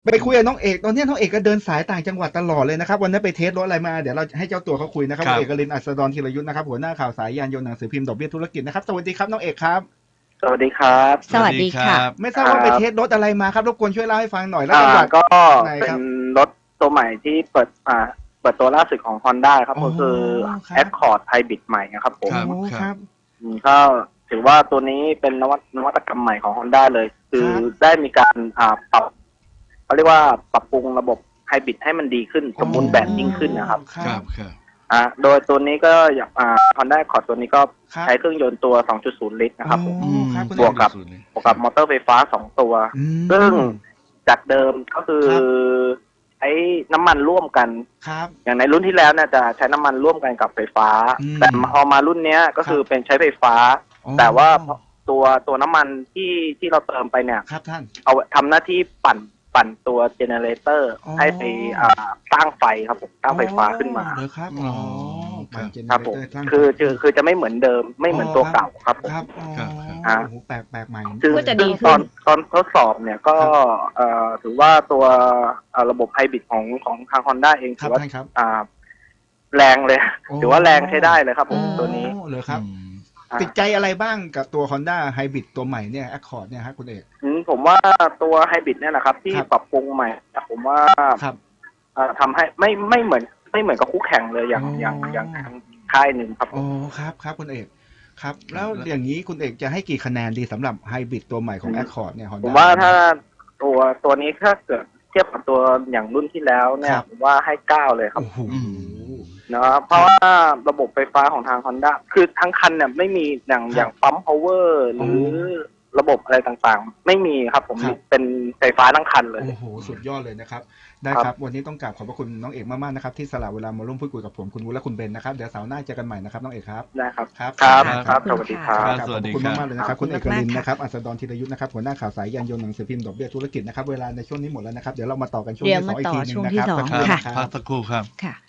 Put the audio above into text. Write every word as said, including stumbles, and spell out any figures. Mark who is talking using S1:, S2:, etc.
S1: ไปคุยกับน้องเอกตอนนี้น้องเอกก็เดินสายต่างจังหวัดตลอดเลยนะครับวันนั้นไปเทสรถอะไรมาเดี๋ยวเราให้เจ้าตัวเขาคุยนะครับ
S2: ครับ
S1: เอกลินอัศดรธีรยุทธนะครับหัวหน้าข่าวสายยานยนต์หนังสือพิมพ์ดอกเบี้ยธุรกิจนะครับสวัสดีครับน้องเอกครับ
S3: สวัสดีครับ
S4: สวัสดีค่ะ
S1: ไม่ทราบว่าไปเทสรถอะไรมาครับรบกวนช่วยเล่าให้ฟังหน่อยแล้ว
S3: อ่า
S1: จังหวัด
S3: ก็
S1: ไหน
S3: เป็
S1: ครับ
S3: นรถตัวใหม่ที่เปิดอ่าเปิดตัวล่าสุดของ Honda ครับ
S1: อ๋อ
S3: ก็คือ
S1: ครับ
S3: Accord Hybrid ใหม่นะครับผม
S2: ครับ
S1: โอ้ครับ
S3: อืมก็ถือว่าตัวนี้เป็นนวัตนวัตกรรมใหม่ของ Honda เลย คือ
S1: ครับ
S3: ได้มีการอ่าปรับเขาเรียกว่าปรับปรุงระบบไฮบริดให้มันดีขึ้นสมบูรณ์แบบยิ่งขึ้นนะครับ
S1: ค
S2: ค
S1: รั
S2: รั
S1: บบ
S2: ครับ
S3: อ่าโดยตัวนี้ก็อย่างอ่า Honda Accord ตัวนี้ก็
S1: ครับ
S3: ใช้เครื่องยนต์ตัว สองจุดศูนย์ ลิตรนะครับผม
S1: โอ้ครับคุณ
S3: บวกกับ
S2: สูตรเลย
S3: บวกกับมอเตอร์ไฟฟ้าสองตัว
S1: อืม
S3: ซึ่งจากเดิมก็คือ
S1: ครับ
S3: ใช้น้ำมันร่วมกัน
S1: ครับ
S3: อย่างในรุ่นที่แล้วเนี่ยจะใช้น้ำมันร่วมกันกับไฟฟ้า
S1: อืม
S3: แต่พอมารุ่นเนี้ยก็คือเป็นใช้ไฟฟ้า
S1: อ๋อ
S3: แต่ว่าตัวตัวน้ำมันที่ที่เราเติมไปเนี่ย
S1: ครับท่าน
S3: เอาทำหน้าที่ปั่นปั่นตัวเจเนเรเตอร์
S1: อ๋อ
S3: ให้ไปอ่าสร้างไฟครับผมสร้างไฟฟ้าขึ้นมา
S1: เหรอครับ
S2: อ๋
S1: อ๋อ
S2: อครับ
S1: ปั่นเจเน
S3: ครับ
S1: เร
S3: ผม
S1: เตอร์สร้าง
S3: คือคือคือจะไม่เหมือนเดิมไม่เหมือนตัวเก่าครับผม
S1: ครับอ๋อ
S2: ครับครับ
S3: อ่า
S1: โอ้โหแปลกแปลกใหม่
S3: ซึ่ง
S4: ก็จะดี
S3: ซึ่ง
S4: ขึ้
S3: ตอน นตอนทดสอบเนี่ยก็เอ่อถือว่าตัวเอ่อระบบไฮบริดของของทาง Honda เอง
S1: ครั
S3: ถื
S1: บ
S3: อว่า
S1: ท่านครับ
S3: อ่าแรงเลย
S1: โอ้
S3: ถือว่าแรงใช้ได้เลยครับผม
S4: อืม
S3: ตัวนี้
S1: โอ้เหรอครับ
S2: อืม
S3: อ่า
S1: ติดใจอะไรบ้างกับตัว Honda Hybrid ตัวใหม่เนี่ย Accord เนี่ยฮะคุณเอก
S3: อืมผมว่าตัวไฮบริดเนี่ยนะครับ ที่
S1: ครับ
S3: ปรับปรุงใหม่ผมว่า
S1: ครับ
S3: เอ่อทำให้ไม่ไม่เหมือนไม่เหมือนกับคู่แข่งเลยอย่าง
S1: อ๋อ
S3: อ
S1: อ
S3: ย่างอย่างทางค่ายหนึ่งครับผ
S1: โอ้
S3: ม
S1: ครับครับคุณเอกครับ แล้ว
S2: แล้ว
S1: อย่างนี้คุณเอกจะให้กี่คะแนนดีสำหรับไฮบริดตัวใหม่ของ
S3: อืม
S1: Accord เนี่ย Honda
S3: ผมว่าถ้าตัวตัวนี้ถ้าเกิดเทียบกับตัวอย่างรุ่นที่แล้วเนี่
S1: ค
S3: ย
S1: รับ
S3: ผมว่าให้เก้าเลยครับ
S1: โอ้โห
S2: อื
S3: นะครับเพราะว่าระบบไฟฟ้าของทาง Honda คือทั้งคันเนี่ยไม่มีอย่าง
S1: ครับ
S3: อย่างปั๊ม power หรือระบบอะไรต่างๆ ไม่มีครับผม
S1: ครับ
S3: เป็นไฟฟ้าทั้งคันเลย
S1: โอ้โหสุดยอดเลยนะครับได้
S3: ครับ
S1: ครับวันนี้ต้องกราบขอบพระคุณน้องเอกมากๆนะครับที่สละเวลามาร่วมพูดคุยกับผมคุณวุฒิและคุณเบนนะครับเดี๋ยวเสาร์หน้าเจอกันใหม่นะครับน้องเอกครับ
S3: นะครับ
S1: ครับ
S3: ครับ
S2: ครับ
S3: ครับ
S4: ขอบ
S3: ส
S4: คุณ
S3: วัสดีค
S4: ค่ะ
S3: รับ
S2: ครับ
S1: ขอบคุณมากๆเลยนะครับ
S4: ข
S1: คุ
S4: อบ
S1: ณ
S4: คุ
S1: เอ
S4: ณ
S1: กลิน
S4: มากๆ
S1: นะครับอัศดรธีรยุทธนะครับหัวหน้าข่าวสายยานยนต์หนังสือพิมพ์ดอกเบี้ยธุรกิจนะครับเวลาในช่วงนี้หมดแล้วนะครับเดี๋ยวเรามาต่อกันช่วง
S4: เดี๋ยว
S1: ที่สอง
S4: มา
S1: อีก
S4: ต่อ
S1: ทีหนึง
S4: ช่วง
S1: นะ
S4: ที่
S1: ครับ
S4: สอง
S1: สักครู่
S4: ค่ะ
S1: นะค
S2: พั
S1: รั
S2: ก
S1: บ
S2: สักครู่ครับ
S4: ค่ะ